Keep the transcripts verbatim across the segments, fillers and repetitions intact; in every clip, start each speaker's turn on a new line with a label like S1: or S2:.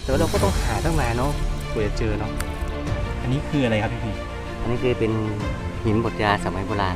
S1: แต่ว่าเราก็ต้องหาตั้งนานเนาะกว่าจะเจอเนาะอันนี้คืออะไรครับพี่พี่
S2: อันนี้คือเป็นหินบดยาสมัยโบราณ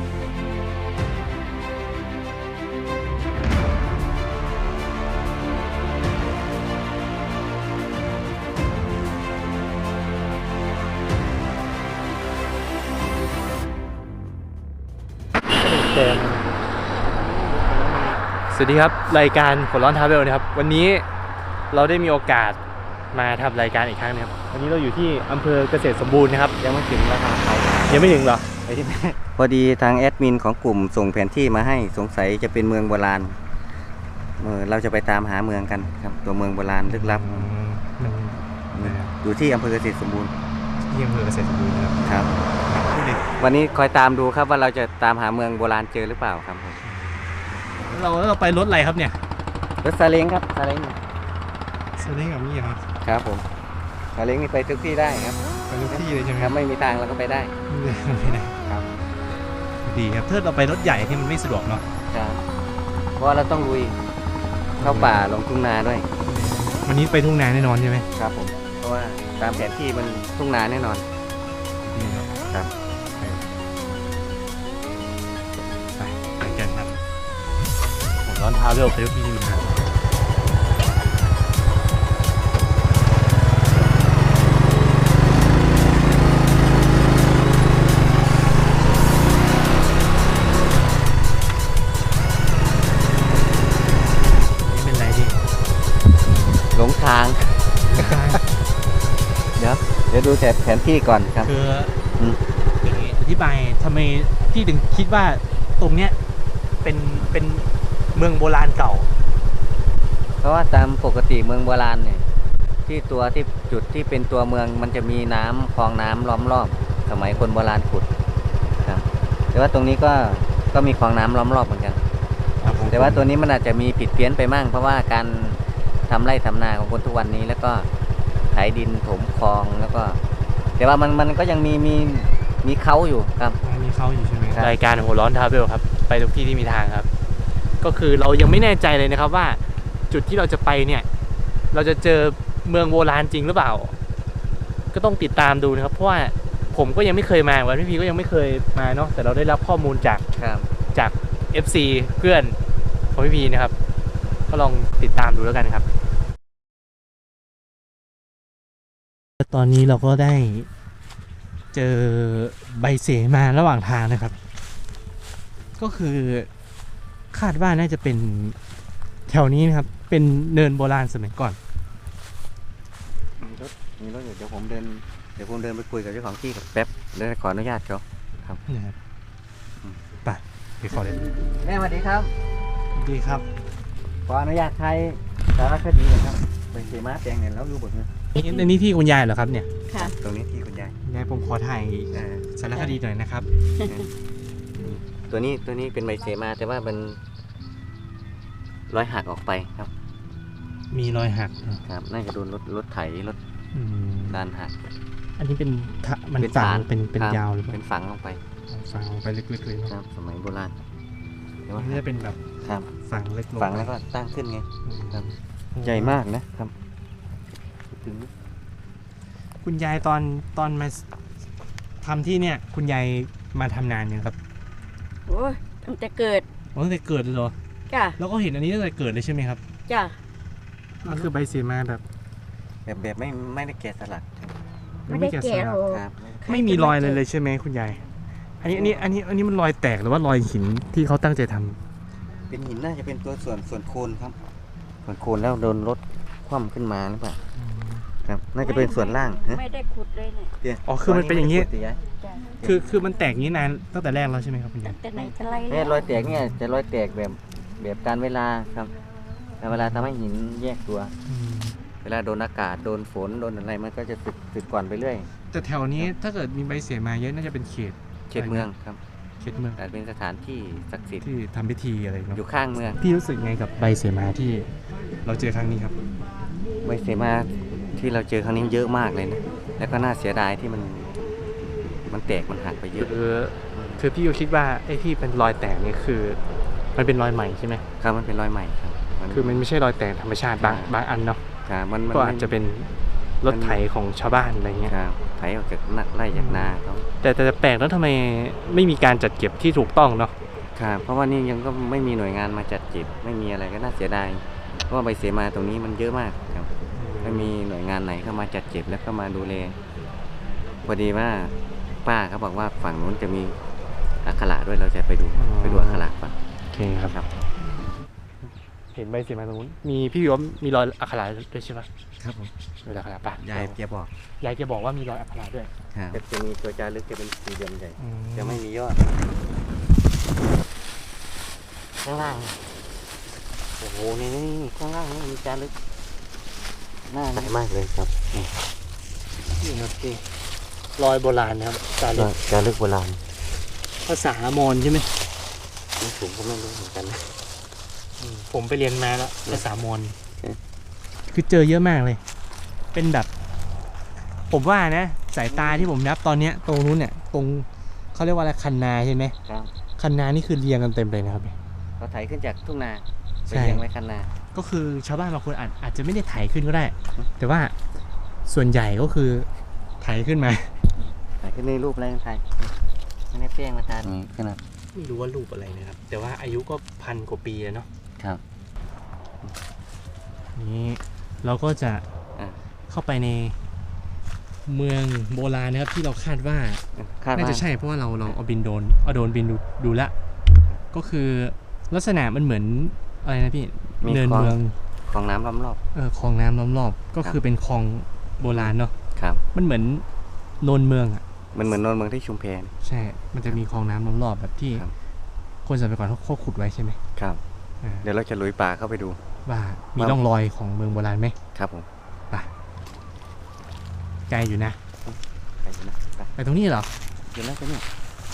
S1: สวัสดีครับรายการหัวร้อนทราเวลนะครับวันนี้เราได้มีโอกาสมาทำรายการอีกครั้งนึงครับวันนี้เราอยู่ที่อำเภอเกษตรสมบูรณ์นะครับ
S2: ยังไม่ถึงราคาเขา
S1: ยังไม่ถึงเหรอ
S2: ไปที่พอดีทางแอดมินของกลุ่มส่งแผนที่มาให้สงสัยจะเป็นเมืองโบราณเออเราจะไปตามหาเมืองกันครับตัวเมืองโบราณลึกลับอยู่ที่อำเภอเกษตรสมบูรณ์
S1: ที่อำเภอเกษตรสมบูรณ์นะครับ
S2: ครับวันนี้คอยตามดูครับว่าเราจะตามหาเมืองโบราณเจอหรือเปล่าครับ
S1: เราเราไปรถอะไรครับเนี่ย
S2: รถซาเล้งครับซาเล้ง
S1: ซาเล้งกับนี่ครับ
S2: ครับผมซาเล้งนี่ไปทุกที่ได้ครับ
S1: ไปทุกที่เลยใช่ไหม
S2: ครับไม่มีทางเราก็ไปได้
S1: ไม่ได้ครับดีครับถ้าเราไปรถใหญ่ที่มันไม่สะดวกเนาะ
S2: ครับเพราะเราต้องลุยเข้าป่าลงทุ่งนาด้วย
S1: วันนี้ไปทุ่งนาแน่นอนใช่ไหม
S2: ครับผมเพราะว่าตามแผนที่มันทุ่งนาแน่นอนครับ
S1: ไปไปกันครับร้อนเท้าเร็วไปทุกที่ดูนะ
S2: หลงทางเดี๋ยวเดี๋ยวดูแผนที่ก่อนครับ
S1: คืออย่างนี้อธิบายทำไมพี่ถึงคิดว่าตรงเนี้ยเป็นเป็นเมืองโบราณเก่า
S2: เพราะว่าตามปกติเมืองโบราณเนี่ยที่ตัวที่จุดที่เป็นตัวเมืองมันจะมีน้ำคลองน้ำล้อมรอบสมัยคนโบราณขุดครับแต่ว่าตรงนี้ก็ก็มีคลองน้ำล้อมรอบเหมือนกันแต่ว่าตัวนี้มันอาจจะมีผิดเพี้ยนไปมั่งเพราะว่าการทำไร่ทำนาของคนทุกวันนี้แล้วก็ไถดินถมคลองแล้วก็แต่ว่ามันมันก็ยังมีมีมีเขาอยู่ครับ
S1: มีเขาอยู่ใช่ไหมรายการหัวร้อนทราเวลครับไปทุกที่ที่มีทางครับก็คือเรายังไม่แน่ใจเลยนะครับว่าจุดที่เราจะไปเนี่ยเราจะเจอเมืองโบราณจริงหรือเปล่าก็ต้องติดตามดูนะครับเพราะว่าผมก็ยังไม่เคยมาวันพี่พีก็ยังไม่เคยมาเนาะแต่เราได้รับข้อมูลจากจาก เอฟ ซี เพื่อนของพี่พีนะครับก็ลองติดตามดูแล้วกันครับตอนนี้เราก็ได้เจอใบเสมาระหว่างทางนะครับก็คือคาดว่าน่าจะเป็นแถวนี้นะครับเป็นเนินโบราณสมัยก่อน
S2: มีรถมีรถเดี๋ยวผมเดินเดี๋ยวผมเดินไปคุยกับเจ้าของที่กับแป๊บเดี๋ยวขออนุญาตเขาครับ
S1: นะครับไปไปขอเลย
S2: แม่สวัสดีครับ
S1: สวัสดีครับ
S2: ขออนุญาตไทยสารคดีครับใบเสมาแปลงเนี่ยแล้วรู้บทเนี่ย
S1: ในนี้ที่คุณยายเหรอครับเนี่ย
S2: ค่ะตรงนี้ที่คุณยาย
S1: ยายผมขอถ่ายสารคดีหน่อยนะครับ
S2: ตัวนี้ตัวนี้เป็นใบเสมาแต่ว่ามันรอยหักออกไปครับ
S1: มีรอยหัก
S2: ครับน่าจะโดนรถรถไถรถด้านหัก
S1: อันนี้เป็นมันฝังเป็นเป็นยาวหรือ
S2: เป็นฝังลงไป
S1: ฝังลงไปลึกๆเลย
S2: ครับสมัยโบราณ
S1: นี่จะเป็นแบบ
S2: ครับ
S1: ฝังเล็กลง
S2: ฝังแล้วก็ตั้งขึ้นไงครับใหญ่มากนะครับถึง
S1: คุณยายตอนตอนมาทำที่เนี่ยคุณยายมาทำนานยังครับ
S3: โอ้ยตั้งแต่เกิด
S1: ตั้งแต่เกิดเลยเหรอ
S3: จ้ะ
S1: แล้วก็เห็นอันนี้ตั้งแต่เกิดเลยใช่ไหมครับ
S3: จ้ะ
S1: มันคือใบเสมาแบบ
S2: แบบแบบไม่ไม่ได้แกะสลัก
S3: ไม่ได้แกะหรอก
S1: ไม่มีรอยเลยเลยใช่ไหมคุณยายอันนี้อันนี้อันนี้อันนี้มันรอยแตกหรือว่ารอยหินที่เขาตั้งใจทำ
S2: เป็นหินน่าจะเป็นตัวส่วนส่วนโคนครับส่วนโคนแล้วโดนรถคว่ำขึ้นมาหรือเปล่าครับน่าจะเป็นส่วนล่าง
S3: ไม่ได้ขุดเลยเนี่ย
S1: อ๋อคือมันเป็นอย่างนี้คือคือมันแตกนี้นานตั้งแต่แรกแล้วใช่ไหมครับคุณยาย
S3: แต่ไหนแต่ไร
S2: เนี่ยรอยแตกเนี่ยจะรอยแตกแบบแบบการเวลาครับเวลาทำให้หินแยกตัวเวลาโดนอากาศโดนฝนโดนอะไรมันก็จะสึกสึกก่อนไปเรื่อย
S1: แต่แถวนี้ถ้าเกิดมีใบเสมาเยอะน่าจะเป็นเขต
S2: เขตเมืองครับ
S1: เขตเมือง
S2: อาจเป็นสถานที่ศักดิ์สิทธิ์
S1: ที่ทำพิธีอะไรเนาะ
S2: อยู่ข้างเมือง
S1: พี่รู้สึกไงกับใบเสมาที่เราเจอครั้งนี้ครับ
S2: ใบเสมาที่เราเจอครั้งนี้เยอะมากเลยนะแล้วก็น่าเสียดายที่มันมันแตกมันหักไปเยอะ
S1: คือคือพี่ก็คิดว่าไอ้ที่เป็นรอยแตกนี่คือมันเป็นรอยใหม่ใช่ไหม
S2: ครับมันเป็นรอยใหม่ครับ
S1: คือมันไม่ใช่รอยแตกธรรมชาติบางบางอันเนาะ
S2: ครับมันมัน
S1: ก็อาจจะเป็นรถไถของชาวบ้านอะไรเงี้ย
S2: ครับไถออกจากนาไล่จากนาเขา
S1: แต่แต่แปลกแล้วทำไมไม่มีการจัดเก็บที่ถูกต้องเนาะ
S2: ครับเพราะว่านี่ยังก็ไม่มีหน่วยงานมาจัดเก็บไม่มีอะไรก็น่าเสียดายเพราะว่าใบเสมาตรงนี้มันเยอะมากครับไม่มีหน่วยงานไหนเข้ามาจัดเก็บแล้วก็มาดูแลพอดีว่าป้าเขาบอกว่าฝั่งนู้นจะมีอักขระด้วยเราจะไปดูไปดูอักขระก่อน
S1: โอเคครับ
S2: ครับ
S1: เห็นใบเสมาตรงนู้นมีพี่วิวว่ามีรอยอักขระด้วยใช่ปะ
S2: ครับผม
S1: รอยอักขระปะ
S2: ยายแกบอก
S1: ยายแกบอกว่ามีรอยอักขระด้วย
S2: ครับจะมีตัวจารึกจะเป็นสี่เหลี่ยมใหญ่
S1: อืม
S2: จะไม่มียอดข้างล่างโอ้โหนี่นี่นี่ข้างล่างนี่มีจารึกหน้าใสมากเลยครับนี่
S1: นี่ครับพี่รอยโบราณนะครับจารึก
S2: จารึกโบราณ
S1: ภาษามอญใช่ไหม
S2: นี่ผมก็ไม่รู้เหมือนกันนะ
S1: ผมไปเรียนมาแล้วภาษามอญ
S2: เอ๊ะ
S1: คือเจอเยอะมากเลย เป็นแบบ ผมว่านะสายตาที่ผมนับตอนเนี้ยตรงนู้นเนี่ยตรงเขาเรียกว่าอะไรคันนาใช่ไหม
S2: ครับ
S1: คันนานี่คือเรียงกันเต็มเลยนะครับ
S2: เขาไถขึ้นจากทุ่งนาไป
S1: ใช่
S2: เลี้ยงไว้คันนา
S1: ก็คือชาวบ้านบางคนอาจอาจจะไม่ได้ไถขึ้นก็ได้ แต่ว่าส่วนใหญ่ก็คือไถขึ้นมา
S2: ไถขึ้นในรูปอะไรกันไทยไม่ได้เปี้ยงมาทานนี่ขนาด
S1: ไม่รู้ว่ารูปอะไรนะครับ แต่ว่าอายุก็พันกว่าปีแล้วเนาะ
S2: ครับ
S1: นี่เราก็จะ
S2: อ่ะ
S1: เข้าไปในเมืองโบราณนะครับที่เราคาดว่า
S2: คาด
S1: น่า
S2: ว่า
S1: จะใช่เพราะว่าเราเราเอาบินโดรนเอาโดรนบินดูดูละก็คือลักษณะมันเหมือนอะไรนะพี่เนินเมือง
S2: ของน้ำล้อมรอบ
S1: เออคลองน้ำล้อมรอบก็คือเป็นคลองโบราณเนาะ
S2: ครับ
S1: มันเหมือนโนนเมืองอ่ะ
S2: มันเหมือนโนนเมืองที่ชุมแพ
S1: ใช่ มันจะมีคลองน้ำล้อมรอบแบบที่
S2: ครับ
S1: คนสมัยก่อนเขาเขาขุดไว้ใช่ไหม
S2: ครับ
S1: อ่า
S2: เดี๋ยวเราจะลุยป่าเข้าไปดู
S1: ว่ามี
S2: ว่า
S1: ร่องรอยของเมืองโบราณไหม
S2: ครับผม
S1: ไปไกลอยู่นะ
S2: ไปดูนะไป
S1: ไปตรงนี้เหรอ
S2: เดี๋ยวนะไปเนี่ย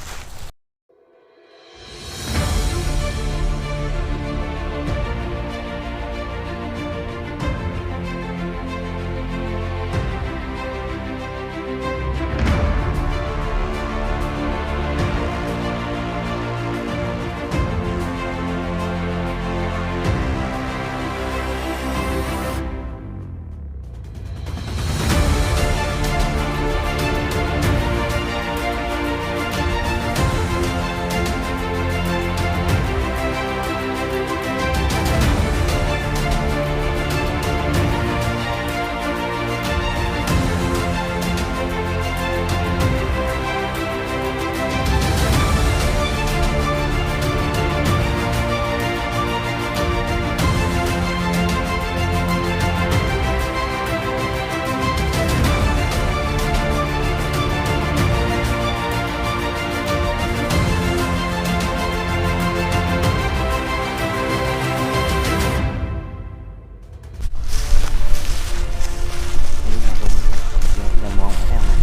S2: ยังมองไม่ได้มัน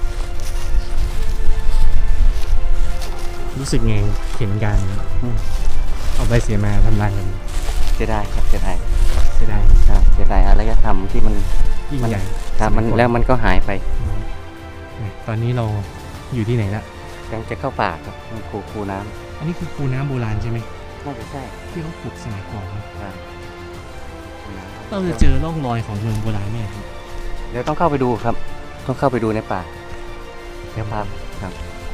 S1: รู้สึกไงเห็นการเอาใบเสียมาทำลายกัน
S2: เสียดายครับเสียดาย
S1: เสียดาย
S2: ครับเสียดายอารยธรรมที่มัน
S1: ยิ่งใหญ่
S2: ครับมันแล้วมันก็หายไป
S1: ตอนนี้เราอยู่ที่ไหนละ
S2: ยังจะเข้าป่าครับมันคูคูน้
S1: อันนี้คือคูน้ำโบราณใช่ไหม
S2: ำน่าจะใช่
S1: ที่เขาขุดสมัยก่อนนะ
S2: ครับคูน้ำ
S1: เราจะเจอร่องรอยของเมืองโบราณไหมครับ
S2: เดี๋ยวต้องเข้าไปดูครับ ต้องเข้าไปดูในป่าเดี๋ยวพาครับ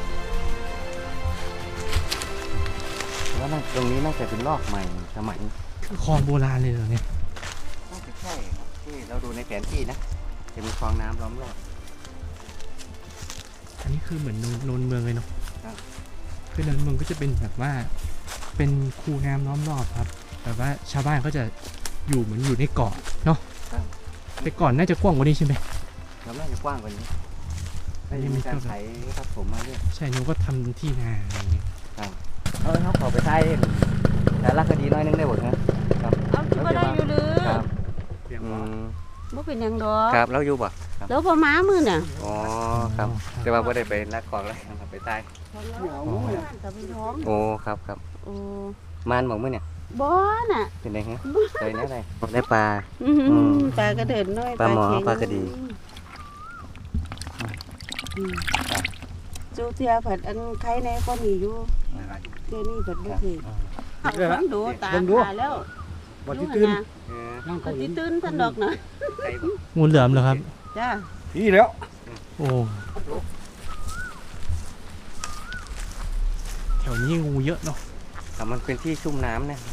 S2: ว่าน่าตรงนี้น่าจะเป็นลอกใหม่สมัย
S1: คือคลองโบราณเลยเหรอเนี่ย
S2: น่าจะใช่ครับที่เราดูในแผนที่นะจะมีคลองน้ำล้อมรอบ
S1: อันนี้คือเหมือนโนนโนนเมืองเลยเนาะ
S2: ครับ
S1: คือโนนเมืองก็จะเป็นแบบว่า เป็นคูน้ำล้อมรอบครับ แต่ว่าชาวบ้านก็จะอยู่เหมือนอยู่ในเกาะเนาะ
S2: ครับ
S1: แต่ก่อนน่าจะกว้างกว่านี้ใช่ไหม
S2: เราน่าจะกว้างกว่านี้น่าจะมีการไถทับผมมาด้วย
S1: ใช่นึกว่าทำที่นาอะไรอย่างเงี้ย
S2: เออเขาขอไปไทยแต่ละคดีน้อยนึงได้หมดนะครับ
S3: เอาที่บ่ได้อยู่หรือ
S2: ครับ
S1: เพียง
S2: อื
S1: ว่าม
S3: บ่เป็นหยังดอก
S2: ครับแล้วอยู่บ่ครับ
S3: แล้วพอม้ามือน่ะ
S2: อ๋อครับแต่ว่าไม่ได้ไปนัดของแล้วครับไปใต้
S3: แต่เป็นท้อง
S2: โอ้ครับครับ
S3: โอ้
S2: มานบอกมื่อเนี่ย
S3: บ่น่ะ
S2: เป็นไงฮะเคยนะอะไรได้ปลา
S3: อื้อหือ
S2: อืม
S3: ปลากระเดินน้อย
S2: ปลาหมอ
S3: เข็ง
S2: ปลากระดี
S3: อืมจูเทียผัดอันไข่ในก็มีอยู่เทียนี่ผัดบ่เคยเอาคนดูตาหาแล้ว
S4: วันที่ตื่น
S2: เออ
S4: นั่ง
S3: ป
S4: เกาหลี
S3: ฏิตื่นท่านดอกนะ
S2: ไกลบ่
S1: งูเหลือมเหรอครับ
S3: จ้า
S4: นี่แล้ว
S1: โอ้แถวนี้งูเยอะเนาะ
S2: แต่มันเป็นที่ชุ่มน้ำเนี่ย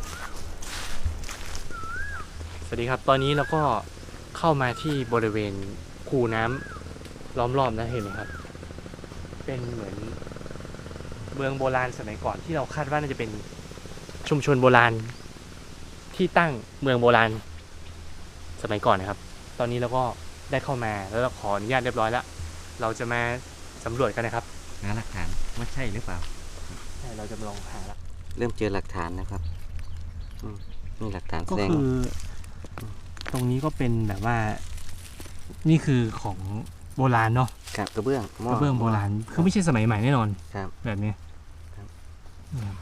S1: สวัสดีครับ ตอนนี้เราก็เข้ามาที่บริเวณคูน้ำล้อมรอบนะเห็นไหมครับ เป็นเหมือนเมืองโบราณสมัยก่อนที่เราคาดว่าน่าจะเป็นชุมชนโบราณที่ตั้งเมืองโบราณสมัยก่อนนะครับ ตอนนี้เราก็ได้เข้ามาแล้วเราขออนุญาตเรียบร้อยแล้ว เราจะมาสำรวจกันนะครับ
S2: หาหลักฐานว่าใช่หรือเปล่า
S1: ใช่เราจะมาลองหาละ
S2: เริ่มเจอหลักฐานนะครับอืมนี่หลักฐานแส
S1: ก็
S2: ดง
S1: คือ ตรงนี้ก็เป็นแบบว่า นี่คือของโบราณเนาะ
S2: กับกระเบื้องหม้
S1: กระเบื้องโบราณคือไม่ใช่สมัยใหม่แน่นอน
S2: ครับ
S1: แบบนี้
S2: ครับ
S1: อืม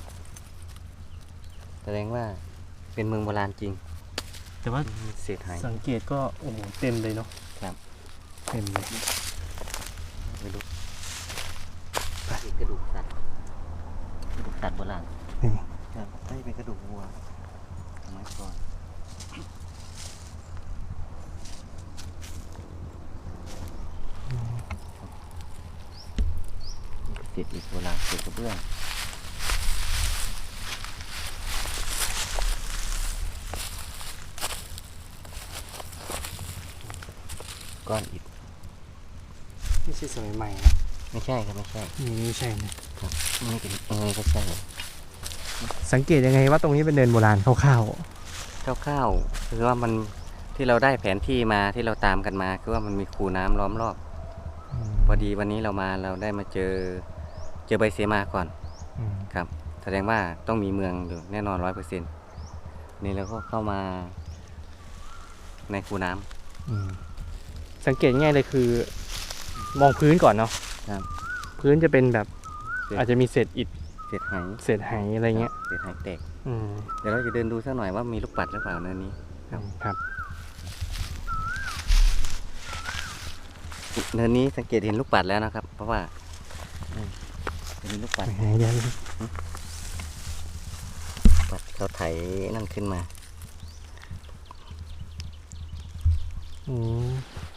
S2: แสดงว่าเป็นเมืองโบราณจริง
S1: แต่ว่า
S2: เศษหาย
S1: สังเกตก็โอ้โหเต็มเลยเนาะ
S2: ครับ
S1: เต็มเลย
S2: ไม่รู้กระดูกสัตว์กระดูกสัตว์โบราณ
S1: นี่
S2: ครับไม่เป็นกระดูกวัวสมัยก่อนเศษอิฐโบราณเศษกระเบื้องก้อนอิฐ
S1: ไม่ใช่สมัยใหม่นะ
S2: ไม่ใช่ครับไม่ใช่
S1: นี่ไม่ใช่นะ
S2: ไม่เป็นยังไงก็ใช่
S1: สังเกตยังไงว่าตรงนี้เป็นเดินโบราณคร่าว
S2: คร่าวๆคือว่ามันที่เราได้แผนที่มาที่เราตามกันมาคือว่ามันมีคูน้ำล้อมรอบ
S1: ๆ
S2: พอดีวันนี้เรามาเราได้มาเจอเจอใบเสมาก่อน
S1: อืม
S2: ครับ แสดงว่าต้องมีเมืองอยู่แน่นอนร้อยเปอร์เซ็นต์นี่เราก็เข้ามาในคูน้ำ
S1: อืมสังเกตง่ายเลยคือ มองพื้นก่อนเนาะ
S2: ครับ
S1: พื้นจะเป็นแบบ
S2: เศษ
S1: อาจจะมีเศษอิฐ
S2: เศษไห
S1: เศษไหอะไรเงี้ย
S2: เศษไหแตก
S1: อืม
S2: เดี๋ยวเราจะเดินดูสักหน่อยว่ามีลูกปัดหรือเปล่าเนินนี้ ครับ
S1: ครับ
S2: เนินนี้สังเกตเห็นลูกปัดแล้วนะครับ เพราะว่าอืมจะมีลูกปัด
S1: ไหนเดี๋ยว
S2: ปัดเขาไถนั่นขึ้นมา
S1: อืม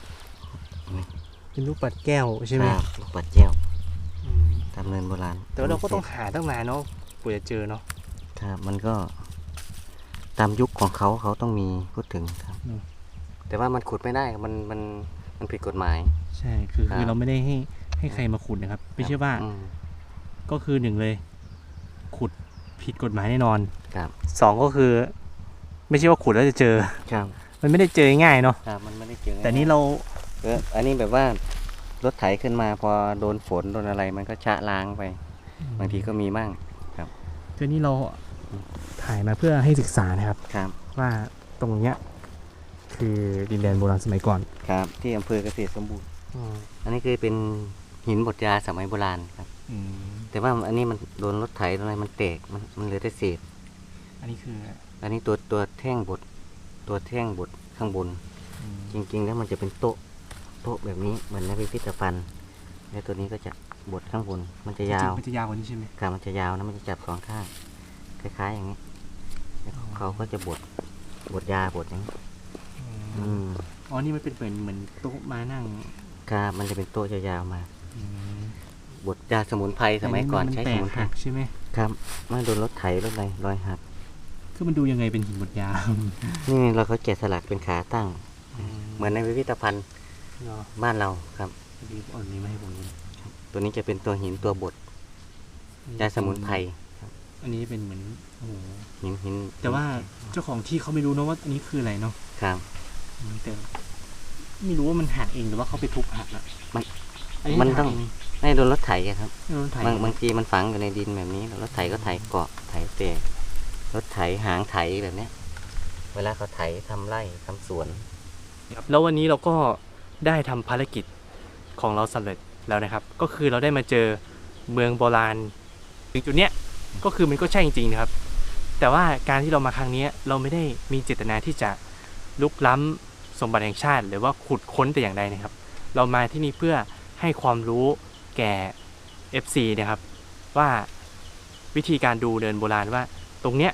S1: เป็นลูกปัดแก้วใช่ไหม
S2: ครับลูกปัดแก้ว
S1: อืม
S2: ตามเนินโบราณ
S1: แต่ว่าเราก็ต้องหาตั้งนานเนาะกว่าจะเจอเนาะ
S2: ครับมันก็ตามยุคของเขาเขาต้องมีพูดถึงครับ
S1: อืม
S2: แต่ว่ามันขุดไม่ได้มันมันมันผิดกฎหมาย
S1: ใช่คือ
S2: ครับ
S1: คือเราไม่ได้ให้ให้ใครมาขุดนะครับ ไม่ใช่ว่า
S2: อืม
S1: ก็คือหนึ่งเลย ขุดผิดกฎหมายแน่นอน
S2: ครับ
S1: สองก็คือ ไม่ใช่ว่าขุดแล้วจะเจอ
S2: ครับ
S1: มันไม่ได้เจอง่ายๆเนาะ
S2: ครับมันไม่ได้เจอ
S1: แต่นี่เรา
S2: เอออันนี้แบบว่ารถไถขึ้นมาพอโดนฝนโดนอะไรมันก็ชะล้างไป บางทีก็มีมั่ง
S1: คือนี่เราถ่ายมาเพื่อให้ศึกษานะครับ
S2: ครับ
S1: ว่าตรงเนี้ยคือดินแดนโบราณสมัยก่อน
S2: ครับที่อำเภอเกษตรสมบูรณ์อันนี้คือเป็นหินบดยาสมัยโบราณครับ
S1: อืม
S2: แต่ว่าอันนี้มันโดนรถไถโดนอะไรมันแตกมันมันเหลือแต่เศษ
S1: อันนี้คือ
S2: อันนี้ตัวตัวแท่งบดตัวแท่งบดข้างบน
S1: อืม
S2: จริงๆแล้วมันจะเป็นโต๊ะโต๊ะแบบนี้เหมือนในพิพิธภัณฑ์แล้วตัวนี้ก็จะบดข้างบน มันจะยาว
S1: จริงๆมันจะยาวกว่านี้ใช่ไหม
S2: ขามันจะยาวนะมันจะจับสองข้างคล้ายๆอย่างนี้แล้ว
S1: อ๋อ
S2: เขาก็จะบดบดยาบดอย่างนี้อืม
S1: อ๋อนี่มันเป็นเหมือนเหมือนโต๊ะมานั่ง
S2: ครับมันจะเป็นโต๊ะยาวๆมา
S1: อืม
S2: บดยาสมุนไพรสมัยก่อนใช้
S1: แต
S2: ส
S1: ก
S2: มุนไพร
S1: หักใช่ไหม
S2: ครับไม่โดนรถไถรถอะไรรอยหัก
S1: คือมันดูยังไงเป็นหินบดยาว
S2: นี่เราเขาแกะสลักเป็นขาตั้ง เหมือนในพิพิธภัณฑ์
S1: เนาะ
S2: บ้านเราครับ
S1: ดีอ่อนนี้มาให้ผมดู
S2: ตัวนี้จะเป็นตัวหินตัวบดยาสมุนไพร
S1: อันนี้เป็นเหมือนโอ้โห
S2: หินหิน
S1: แต่ว่าเจ้าของที่เขาไม่รู้นะว่าอันนี้คืออะไรเนาะ
S2: ครับ
S1: อืมแต่ไม่รู้ว่ามันหักเองหรือว่าเขาไปทุบหักอะ
S2: มัน
S1: อันนี้
S2: มัน
S1: หัก
S2: ต้อง
S1: เ
S2: ไม่โดนรถไถอะครับ
S1: ไม่รู้ถ่าย
S2: บางบางทีมันฝังอยู่ในดินแบบนี้แล้วรถไถก็ไถเกาะไถแตกรถไถหางไถแบบเนี้ย เวลาเขาไถทำไร่ทำสวน
S1: ครับแล้ววันนี้เราก็ได้ทำภารกิจของเราสำเร็จแล้วนะครับ ก็คือเราได้มาเจอเมืองโบราณถึงจุดเนี้ยก็คือมันก็ใช่จริงๆนะครับ แต่ว่าการที่เรามาครั้งนี้เราไม่ได้มีเจตนาที่จะลุกล้ำสมบัติแห่งชาติ หรือว่าขุดค้นแต่อย่างใดนะครับ เรามาที่นี่เพื่อให้ความรู้แก่ เอฟ ซี นะครับว่าวิธีการดูเดินโบราณว่าตรงเนี้ย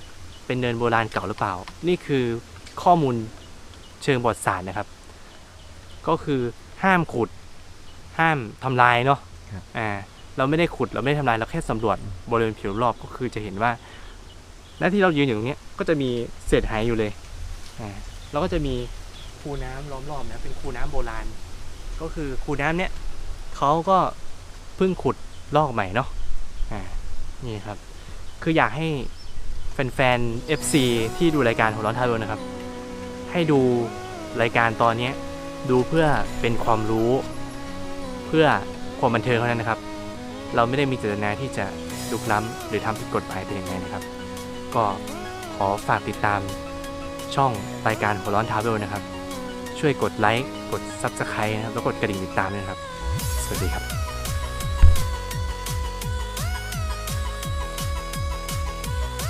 S1: เป็นเนินโบราณเก่าหรือเปล่านี่คือข้อมูลเชิงประวัติศาสตร์นะครับก็คือห้ามขุดห้ามทำลายเนาะอ่าเราไม่ได้ขุดเราไม่ได้ทำลายเราแค่สำรวจบริเวณผิวรอบก็คือจะเห็นว่าและที่เรายืนอยู่ตรงนี้ก็จะมีเศษหายอยู่เลยอ่าแล้วก็จะมีคูน้ำล้อมรอบนะเป็นคูน้ำโบราณก็คือคูน้ำเนี้ยเขาก็เพิ่งขุดลอกใหม่เนาะอ่านี่ครับคืออยากให้แฟนๆ เอฟ ซี ที่ดูรายการหัวร้อนท้าโดนนะครับให้ดูรายการตอนนี้ดูเพื่อเป็นความรู้เพื่อความบันเทิงเท่านั้นนะครับเราไม่ได้มีเจตนาที่จะลุกล้ำหรือทำผิดกฎหมายแต่อย่างใดนะครับก็ขอฝากติดตามช่องรายการหัวร้อนท้าโดนนะครับช่วยกดไลค์กด ซับสไครบ์ นะครับแล้วกดกระดิ่งติดตามด้วยนะครับสวัสดีครับ